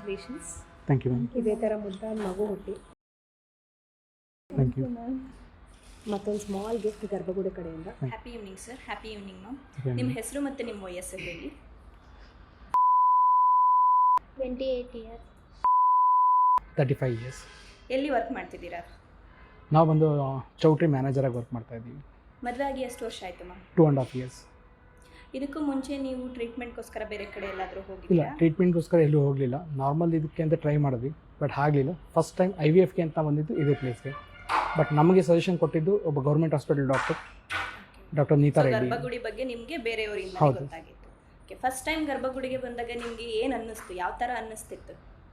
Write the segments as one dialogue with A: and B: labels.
A: Congratulations.
B: Thank you ma'am.
A: ಇದೇ ಥರ ಮುದ್ದಾದ ಮಗು ಹುಟ್ಟಿ.
B: Thank you
A: ma'am. ಮತ್ತೊಂದು ಸ್ಮಾಲ್ ಗಿಫ್ಟ್ ಗರ್ಭಗುಡಿ ಕಡೆಯಿಂದ.
C: Happy evening sir. Happy evening ma'am. ನಿಮ್ಮ ಹೆಸರು ಮತ್ತು ನಿಮ್ಮ ವಯಸ್ಸು ಹೇಳಿ.
D: 28 years.
B: 35 years.
C: ಎಲ್ಲಿ ವರ್ಕ್ ಮಾಡ್ತಿದ್ದೀರಾ?
B: ನಾವು ಬಂದು ಚೌಟ್ರಿ ಮ್ಯಾನೇಜರಾಗಿ ವರ್ಕ್ ಮಾಡ್ತಾ ಇದ್ದೀವಿ.
C: ಮದುವೆ ಆಗಿ ಎಷ್ಟು ವರ್ಷ ಆಯಿತು ಮ್ಯಾಮ್?
B: 2.5 years.
C: ಇದಕ್ಕೂ ಮುಂಚೆ ನೀವು ಟ್ರೀಟ್ಮೆಂಟ್ಗೋಸ್ಕರ ಬೇರೆ ಕಡೆ ಎಲ್ಲಾದರೂ
B: ಇಲ್ಲ,
C: ಹೋಗಿಲ್ಲ?
B: ಟ್ರೀಟ್ಮೆಂಟ್ಗೋಸ್ಕರ ಎಲ್ಲೂ ಹೋಗಲಿಲ್ಲ. ನಾರ್ಮಲ್ ಇದಕ್ಕೆ ಅಂತ ಟ್ರೈ ಮಾಡಿದ್ವಿ, ಬಟ್ ಆಗಲಿಲ್ಲ. ಫಸ್ಟ್ ಟೈಮ್ IVFಗೆ ಅಂತ ಬಂದಿದ್ದು ಇದೇ ಪ್ಲೇಸ್ಗೆ. ಬಟ್ ನಮಗೆ ಸಜೆಷನ್ ಕೊಟ್ಟಿದ್ದು ಒಬ್ಬ government hospital doctor Neeta Reddy.
C: Garbhagudi ಬಗ್ಗೆ ನಿಮಗೆ ಬೇರೆಯವರಿಂದ
B: ಹೌದು.
C: ಗೊತ್ತಾಗಿತ್ತು. ಓಕೆ, ಫಸ್ಟ್ ಟೈಮ್ ಗರ್ಭಗುಡಿಗೆ ಬಂದಾಗ ನಿಮಗೆ ಏನು ಅನ್ನಿಸ್ತು? ಯಾವ ಥರ ಅನ್ನಿಸ್ತಿತ್ತು?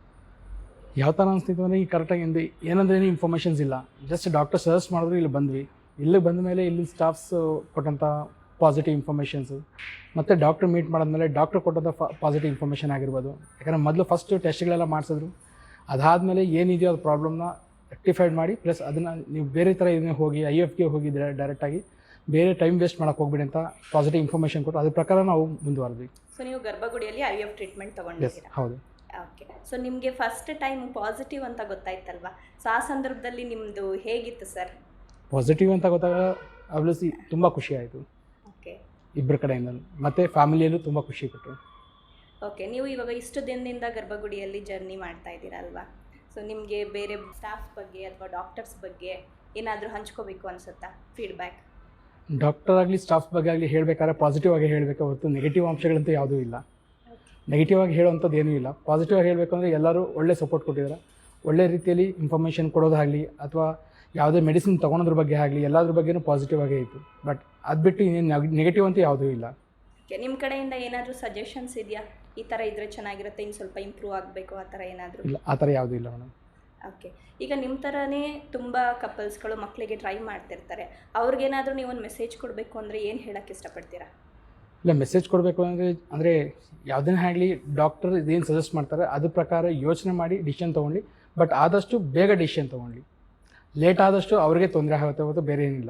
B: ಯಾವ ಥರ ಅನಿಸ್ತಿತ್ತು ಅಂದರೆ ಈಗ ಕರೆಕ್ಟಾಗಿ ಏನಂದ್ರೆ ಏನು ಇನ್ಫಾರ್ಮೇಷನ್ಸ್ ಇಲ್ಲ. ಜಸ್ಟ್ ಡಾಕ್ಟರ್ ಸಜೆಸ್ಟ್ ಮಾಡಿದ್ರು ಇಲ್ಲಿ ಬಂದ್ವಿ. ಇಲ್ಲಿ ಬಂದ ಮೇಲೆ ಇಲ್ಲಿ ಸ್ಟಾಫ್ಸ್ ಕೊಟ್ಟಂಥ ಪಾಸಿಟಿವ್ ಇನ್ಫಾರ್ಮೇಷನ್ಸು ಮತ್ತು ಡಾಕ್ಟ್ರ್ ಮೀಟ್ ಮಾಡಿದ್ಮೇಲೆ ಡಾಕ್ಟ್ರ್ ಕೊಟ್ಟಂಥ ಪಾಸಿಟಿವ್ ಇನ್ಫಾರ್ಮೇಷನ್ ಆಗಿರ್ಬೋದು. ಯಾಕಂದರೆ ಮೊದಲು ಫಸ್ಟು ಟೆಸ್ಟ್ಗಳೆಲ್ಲ ಮಾಡಿಸಿದ್ರು. ಅದಾದಮೇಲೆ ಏನಿದೆಯೋ ಅದು ಪ್ರಾಬ್ಲಮ್ನ ರೆಕ್ಟಿಫೈಡ್ ಮಾಡಿ, ಪ್ಲಸ್ ಅದನ್ನು ನೀವು ಬೇರೆ ಥರ ಇದನ್ನೇ ಹೋಗಿ IVFಗೆ ಹೋಗಿ ಡೈರೆಕ್ಟಾಗಿ ಬೇರೆ ಟೈಮ್ ವೇಸ್ಟ್ ಮಾಡೋಕ್ಕೆ ಹೋಗ್ಬಿಡಿ ಅಂತ ಪಾಸಿಟಿವ್ ಇನ್ಫಾರ್ಮೇಷನ್ ಕೊಟ್ಟು ಅದ್ರ ಪ್ರಕಾರ ನಾವು ಮುಂದುವರೆದ್ವಿ.
C: ಸೊ ನೀವು ಗರ್ಭಗುಡಿಯಲ್ಲಿ IVF ಟ್ರೀಟ್ಮೆಂಟ್ ತೊಗೊಂಡಿದ್ದೀರಾ?
B: ಹೌದು.
C: ಓಕೆ, ಸೊ ನಿಮಗೆ ಫಸ್ಟ್ ಟೈಮ್ ಪಾಸಿಟಿವ್ ಅಂತ ಗೊತ್ತಾಯ್ತಲ್ವಾ? ಸೊ ಆ ಸಂದರ್ಭದಲ್ಲಿ ನಿಮ್ಮದು ಹೇಗಿತ್ತು ಸರ್?
B: ಪಾಸಿಟಿವ್ ಅಂತ ಗೊತ್ತಾಗ ಆಬ್ವಿಯಸ್ಲಿ ತುಂಬ ಖುಷಿ ಆಯಿತು.
C: ಓಕೆ,
B: ಇಬ್ಬರ ಕಡೆಯಿಂದ ಮತ್ತು ಫ್ಯಾಮಿಲಿಯಲ್ಲೂ ತುಂಬ ಖುಷಿ ಕೊಟ್ಟರು.
C: ಓಕೆ, ನೀವು ಇವಾಗ ಇಷ್ಟು ದಿನದಿಂದ ಗರ್ಭಗುಡಿಯಲ್ಲಿ ಜರ್ನಿ ಮಾಡ್ತಾ ಇದ್ದೀರಾ ಅಲ್ವಾ? ಸೊ ನಿಮಗೆ ಬೇರೆ ಸ್ಟಾಫ್ ಬಗ್ಗೆ ಅಥವಾ ಡಾಕ್ಟರ್ಸ್ ಬಗ್ಗೆ ಏನಾದರೂ ಹಂಚ್ಕೋಬೇಕು ಅನಿಸುತ್ತಾ ಫೀಡ್ಬ್ಯಾಕ್?
B: ಡಾಕ್ಟರ್ ಆಗಲಿ ಸ್ಟಾಫ್ಸ್ ಬಗ್ಗೆ ಆಗಲಿ ಹೇಳಬೇಕಾದ್ರೆ ಪಾಸಿಟಿವ್ ಆಗಿ ಹೇಳಬೇಕು ಹೊರತು ನೆಗೆಟಿವ್ ಅಂಶಗಳಂತೂ ಯಾವುದೂ ಇಲ್ಲ. ನೆಗೆಟಿವ್ ಆಗಿ ಹೇಳುವಂಥದ್ದು ಏನೂ ಇಲ್ಲ. ಪಾಸಿಟಿವ್ ಆಗಿ ಹೇಳಬೇಕು ಅಂದರೆ ಎಲ್ಲರೂ ಒಳ್ಳೆ ಸಪೋರ್ಟ್ ಕೊಟ್ಟಿದ್ದಾರೆ. ಒಳ್ಳೆ ರೀತಿಯಲ್ಲಿ ಇನ್ಫಾರ್ಮೇಷನ್ ಕೊಡೋದಾಗಲಿ ಅಥವಾ ಯಾವುದೇ ಮೆಡಿಸಿನ್ ತೊಗೊಳೋದ್ರ ಬಗ್ಗೆ ಆಗಲಿ ಎಲ್ಲದ್ರ ಬಗ್ಗೆಯೂ ಪಾಸಿಟಿವ್ ಆಗೇ ಇತ್ತು. ಬಟ್ ಅದು ಬಿಟ್ಟು ಇನ್ನೇನು ನೆಗೆಟಿವ್ ಅಂತೂ ಯಾವುದೂ ಇಲ್ಲ.
C: ಓಕೆ, ನಿಮ್ಮ ಕಡೆಯಿಂದ ಏನಾದರೂ ಸಜೆಷನ್ಸ್ ಇದೆಯಾ? ಈ ಥರ ಇದ್ದರೆ ಚೆನ್ನಾಗಿರುತ್ತೆ, ಇನ್ನು ಸ್ವಲ್ಪ ಇಂಪ್ರೂವ್ ಆಗಬೇಕು ಆ ಥರ ಏನಾದರೂ?
B: ಇಲ್ಲ, ಆ ಥರ ಯಾವುದೂ ಇಲ್ಲ ಮೇಡಮ್.
C: ಓಕೆ, ಈಗ ನಿಮ್ಮ ಥರನೇ ತುಂಬ ಕಪಲ್ಸ್ಗಳು ಮಕ್ಕಳಿಗೆ ಟ್ರೈ ಮಾಡ್ತಿರ್ತಾರೆ. ಅವ್ರಿಗೇನಾದರೂ ನೀವು ಒಂದು ಮೆಸೇಜ್ ಕೊಡಬೇಕು ಅಂದರೆ ಏನು ಹೇಳೋಕ್ಕೆ ಇಷ್ಟಪಡ್ತೀರಾ?
B: ಇಲ್ಲ, ಮೆಸೇಜ್ ಕೊಡಬೇಕು ಅಂದರೆ ಯಾವುದನ್ನೇ ಆಗಲಿ ಡಾಕ್ಟರ್ ಇದೇನು ಸಜೆಸ್ಟ್ ಮಾಡ್ತಾರೆ ಅದ್ರ ಪ್ರಕಾರ ಯೋಚನೆ ಮಾಡಿ ಡಿಸಿಷನ್ ತೊಗೊಂಡು, ಬಟ್ ಆದಷ್ಟು ಬೇಗ ಡಿಸಿಷನ್ ತೊಗೊಂಡು. ಲೇಟ್ ಆದಷ್ಟು ಅವ್ರಿಗೆ ತೊಂದರೆ ಆಗುತ್ತೆ ಹೊರತು ಬೇರೆ ಏನಿಲ್ಲ.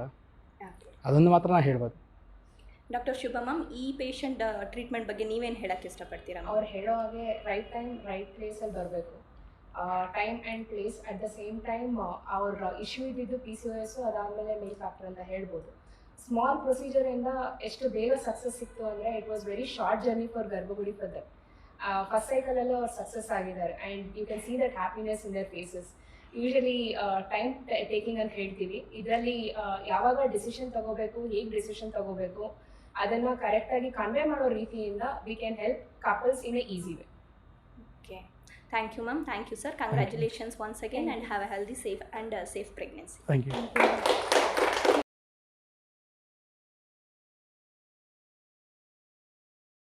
B: ಅದನ್ನು ಮಾತ್ರ ನಾನು ಹೇಳ್ಬೋದು.
C: ಡಾಕ್ಟರ್ ಶುಭ ಮ್ಯಾಮ್, ಈ ಪೇಷಂಟ್ ಟ್ರೀಟ್ಮೆಂಟ್ ಬಗ್ಗೆ ನೀವೇನು ಹೇಳೋಕ್ಕೆ ಇಷ್ಟಪಡ್ತೀರಾ?
A: ಅವ್ರು ಹೇಳೋ ಹಾಗೆ ರೈಟ್ ಟೈಮ್ ರೈಟ್ ಪ್ಲೇಸಲ್ಲಿ ಬರಬೇಕು. Time and place at the same time. ಅವ್ರ ಇಶ್ಯೂ ಇದ್ದಿದ್ದು PCOS, ಅದಾದಮೇಲೆ ಮೇಲ್ ಫ್ಯಾಕ್ಟರ್ ಅಂತ ಹೇಳ್ಬೋದು. ಸ್ಮಾಲ್ ಪ್ರೊಸೀಜರಿಂದ ಎಷ್ಟು ಬೇಗ ಸಕ್ಸಸ್ ಸಿಕ್ತು ಅಂದರೆ it was very short journey for Garbhagudi for them. First ಸೈಕಲಲ್ಲೂ ಅವ್ರು ಸಕ್ಸಸ್ ಆಗಿದ್ದಾರೆ and you can see that happiness in their faces. Usually time taking ಅಂತ ಹೇಳ್ತೀವಿ. ಇದರಲ್ಲಿ ಯಾವಾಗ ಡಿಸಿಷನ್ ತಗೋಬೇಕು, ಹೇಗೆ ಡಿಸಿಷನ್ ತಗೋಬೇಕು ಅದನ್ನು ಕರೆಕ್ಟಾಗಿ ಕನ್ವೆ ಮಾಡೋ ರೀತಿಯಿಂದ we can help couples in a easy way.
C: Okay, thank you ma'am. Thank you sir. Congratulations once again and have a healthy, safe and safe pregnancy.
B: Thank you.